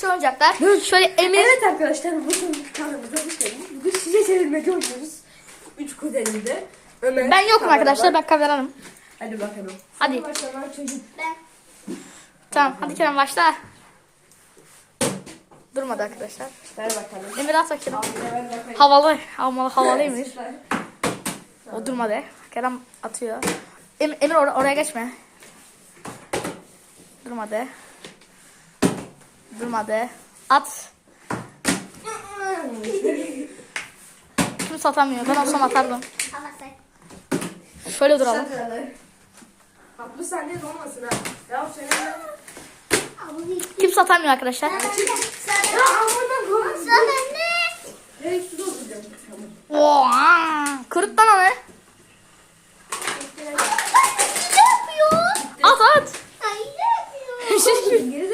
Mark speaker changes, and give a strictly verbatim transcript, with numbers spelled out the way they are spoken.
Speaker 1: Şu oyuncaklar. Şöyle Emir.
Speaker 2: Evet arkadaşlar bugün kanalımıza hoş geldiniz. Bugün size çevirmece oynuyoruz. Üç kuzenimde. Ömer.
Speaker 1: Ben yokum
Speaker 2: kameraman.
Speaker 1: arkadaşlar, ben kameranım.
Speaker 2: Hadi bakalım.
Speaker 1: Hadi.
Speaker 2: Başlanan çocuk.
Speaker 3: Ben.
Speaker 1: Tamam hadi Kerem başla. Durmadı arkadaşlar.
Speaker 2: Ver bakalım.
Speaker 1: Emir at bakayım.
Speaker 2: Al, ver bakalım.
Speaker 1: Havalı. Havalı, havalı Emir.
Speaker 2: Süper.
Speaker 1: O durmadı. Kerem atıyor. Em, Emir or oraya geçme. Durmadı. Durmadı. At. Kimse atamıyor. Ben olsam atardım.
Speaker 3: Ama sen.
Speaker 1: Şöyle duralım.
Speaker 2: altmış saniye olmasın ha. Ya senin de.
Speaker 1: Kimse atamıyor arkadaşlar.
Speaker 2: Ya aman koy.
Speaker 3: Sen ne?
Speaker 2: Hey su dolduracağım.
Speaker 1: Oha! Kırık lan onu.
Speaker 3: Ne yapıyor?
Speaker 1: At at.
Speaker 3: Ay ne yapıyor?
Speaker 2: Geri